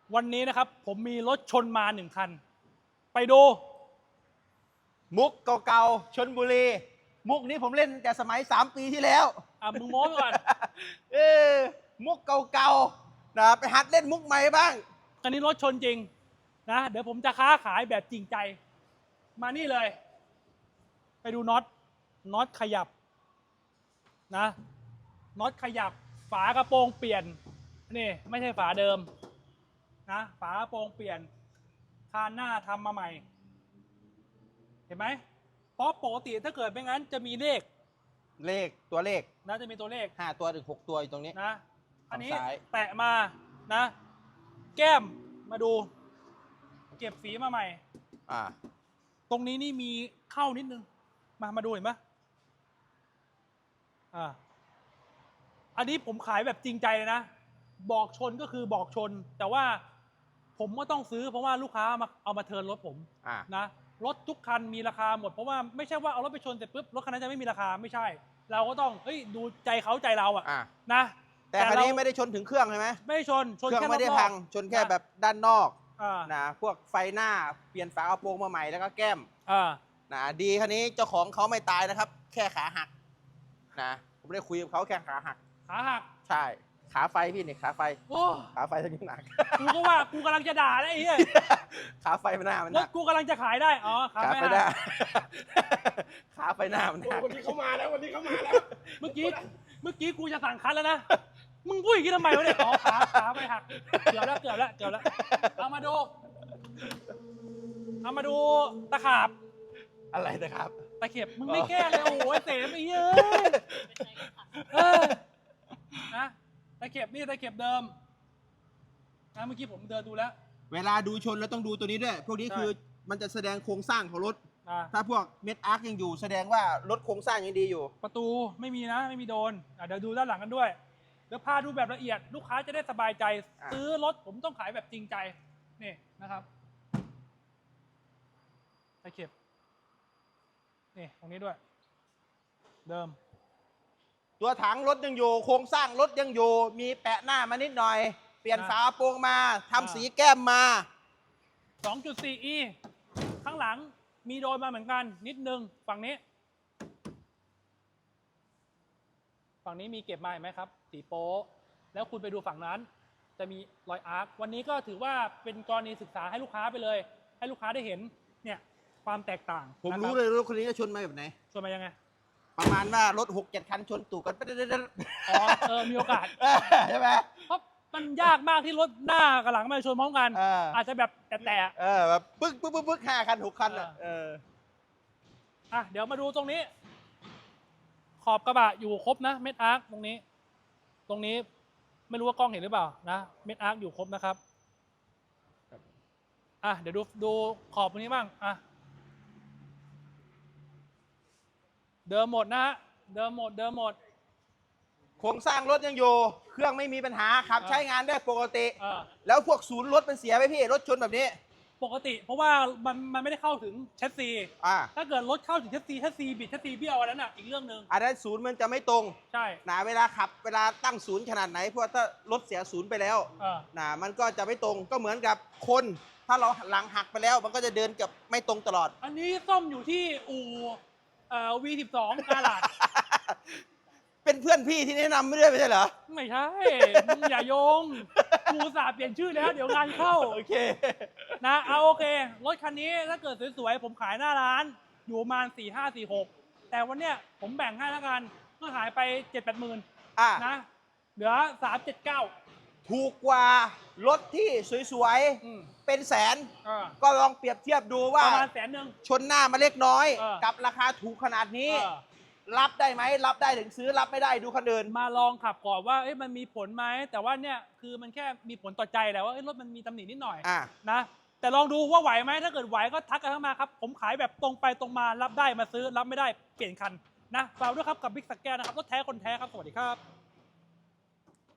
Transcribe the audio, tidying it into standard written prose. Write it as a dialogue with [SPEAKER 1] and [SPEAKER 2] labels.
[SPEAKER 1] วันนี้นะครับผมมีรถชนมา1 คัน ไปดู
[SPEAKER 2] มุกเก่าๆชลบุรี มุกนี้ผมเล่นแต่สมัย3 ปีที่แล้ว
[SPEAKER 1] มึงโม้ไปก่อน
[SPEAKER 2] มุกเก่าๆนะไปหัดเล่นมุกใหม่บ้าง
[SPEAKER 1] คันนี้รถชนจริงนะเดี๋ยวผมจะค้าขายแบบจริงใจ มานี่เลย ไปดูน็อตขยับนะน็อตขยับฝากระโปรงเปลี่ยนนี่ไม่ใช่ฝาเดิมนะฝากระโปรงเปลี่ยนคานหน้าทำมาใหม่เห็นไหมเพราะปกติถ้าเกิดไม่งั้นจะมีเลข
[SPEAKER 2] ตัวเลข
[SPEAKER 1] นะจะมีตัวเลข
[SPEAKER 2] 5 ตัวถึง 6 ตัวอยู่ตรงนี้
[SPEAKER 1] นะอันนี้
[SPEAKER 2] ซ้าย
[SPEAKER 1] แตะมานะแก้มมาดูเก็บสีมาใหม่ตรงนี้นี่มีเข้านิดนึงมาดูเห็นไหมอันนี้ผมขายแบบจริงใจเลยนะบอกชนก็คือบอกชนแต่ว่าผมก็ต้องซื้อเพราะว่าลูกค้าเอามาเทิร์นรถผมนะรถทุกคันมีราคาหมดเพราะว่าไม่ใช่ว่าเอารถไปชนเสร็จปุ๊บรถคันนั้นจะไม่มีราคาไม่ใช่เราก็ต้องดูใจเขาใจเรานะ
[SPEAKER 2] แต่คันนี้ไม่ได้ชนถึงเครื่องใช่ไหม
[SPEAKER 1] ไม่ได้ชน
[SPEAKER 2] เครื่องไม่ได้พังชนแค่แบบด้านนอกนะพวกไฟหน้าเปลี่ยนฝากระโปรงมาใหม่แล้วก็แก้มนะดีคันนี้เจ้าของเขาไม่ตายนะครับแค่ขาหักนะผมได้คุยกับเขาแค่ขาหักใช่ขาไฟพี่นี่ขาไฟขาไฟทั้งหนัก
[SPEAKER 1] กูก็ว่ากูกำลังจะด่าแล้วไอ้เหี้ย
[SPEAKER 2] ขาไฟหน้ามัน
[SPEAKER 1] รถกูกำลังจะขายได้ขาไฟหน้า
[SPEAKER 2] ขาไฟหน้ามัน
[SPEAKER 3] วันนี้เขามาแล้ว
[SPEAKER 1] เมื่อกี้กูจะสั่งคัดแล้วนะมึงพูดอย่างนี้ทำไมวะเนี่ยขาไปหักเกือบแล้วเอามาดูตะขาบ
[SPEAKER 2] อะไรนะครับ
[SPEAKER 1] ตะเข็บมึงไม่แก้เลยโอ้โหเสมไอ้เหี้ยนะตะเข็บนี่ตะเข็บเดิมนะเมื่อกี้ผมเดินดูแล้ว
[SPEAKER 2] เวลาดูชนแล้วต้องดูตัวนี้ด้วยพวกนี้คือมันจะแสดงโครงสร้างของรถถ้าพวกเม็ดอาร์คยังอยู่แสดงว่ารถโครงสร้างยังดีอยู่
[SPEAKER 1] ประตูไม่มีนะไม่มีโดนเดี๋ยวดูด้านหลังกันด้วยเดี๋ยวพาดูแบบละเอียดลูกค้าจะได้สบายใจซื้อรถผมต้องขายแบบจริงใจนี่นะครับตะเข็บนี่ตรงนี้ด้วยเดิม
[SPEAKER 2] ตัวถังรถยังอยู่โครงสร้างรถยังอยู่มีแปะหน้ามานิดหน่อยเปลี่ยนฝาโปร่งมาทำสีแก้มมา
[SPEAKER 1] 2.4e ข้างหลังมีโดนมาเหมือนกันนิดนึงฝั่งนี้มีเก็บมาเห็นไหมครับสีโป๊แล้วคุณไปดูฝั่งนั้นจะมีรอยอาร์ควันนี้ก็ถือว่าเป็นกรณีศึกษาให้ลูกค้าไปเลยให้ลูกค้าได้เห็นเนี่ยความแตกต่าง
[SPEAKER 2] ผมรู้เลยรถคนนี้จะชนมาแบบไหน
[SPEAKER 1] ชนมายังไง
[SPEAKER 2] ประมาณว่ารถ 6-7 คันชนตู่กัน
[SPEAKER 1] มีโอกาส
[SPEAKER 2] ใช่ไหม
[SPEAKER 1] เพราะมันยากมากที่รถหน้ากับหลังมาชนพร้อมกันอาจจะแบบแต่
[SPEAKER 2] แบบปึ๊ก5 คัน 6 คัน
[SPEAKER 1] เดี๋ยวมาดูตรงนี้ขอบกระบะอยู่ครบนะเม็ดอาร์คตรงนี้ไม่รู้ว่ากล้องเห็นหรือเปล่านะเม็ดอาร์คอยู่ครบนะครับเดี๋ยวดูขอบตรงนี้บ้างเดิมหมดนะฮะเดิมหมด
[SPEAKER 2] โครงสร้างรถยังอยู่เครื่องไม่มีปัญหาขับใช้งานได้ปกติแล้วพวกศูนย์รถมันเสียไหมพี่รถชนแบบนี้
[SPEAKER 1] ปกติเพราะว่ามันไม่ได้เข้าถึงแชสซีถ้าเกิดรถเข้าถึงแชสซีบิดแชสซีเบี้ยวอันนั้นอีกเรื่องหนึ่ง
[SPEAKER 2] อันนั้นศูนย์มันจะไม่ตรง
[SPEAKER 1] ใช่
[SPEAKER 2] เวลาขับเวลาตั้งศูนย์ขนาดไหนเพราะถ้ารถเสียศูนย์ไปแล้วมันก็จะไม่ตรงก็เหมือนกับคนถ้าเราหลังหักไปแล้วมันก็จะเดินกับไม่ตรงตลอด
[SPEAKER 1] อันนี้ซ่อมอยู่ที่อู่V12 กาลาด
[SPEAKER 2] เป็นเพื่อนพี่ที่แนะนำไม่ได้ไม่ใช่เหรอ
[SPEAKER 1] ไม่ใช่มึงอย่าโยงกูสาเปลี่ยนชื่อแล้วเดี๋ยวงานเข้า
[SPEAKER 2] โอเค
[SPEAKER 1] นะโอเครถคันนี้ถ้าเกิดสวยๆผมขายหน้าร้านอยู่ประมาณ4546แต่วันเนี้ยผมแบ่งให้แล้วกันก็ขายไป7-8 หมื่นนะเหลือ379
[SPEAKER 2] ถูกกว่ารถที่สวยๆเป็นแสนก็ลองเปรียบเทียบดูว่า
[SPEAKER 1] ประมาณ100,000
[SPEAKER 2] ชนหน้ามาเล็กน้อยกับราคาถูกขนาดนี้รับได้ไหมรับได้ถึงซื้อรับไม่ได้ดูคันอื่น
[SPEAKER 1] มาลองขับก่อนว่ามันมีผลไหมแต่ว่าเนี่ยคือมันแค่มีผลต่อใจแหละว่ารถมันมีตำหนินิดหน่อยนะแต่ลองดูว่าไหวไหมถ้าเกิดไหวก็ทักกันเข้ามาครับผมขายแบบตรงไปตรงมารับได้มาซื้อรับไม่ได้เปลี่ยนคันนะฝากด้วยครับกับบิ๊กสแกนนะครับรถแท้คนแท้ครับสวัสดีครับ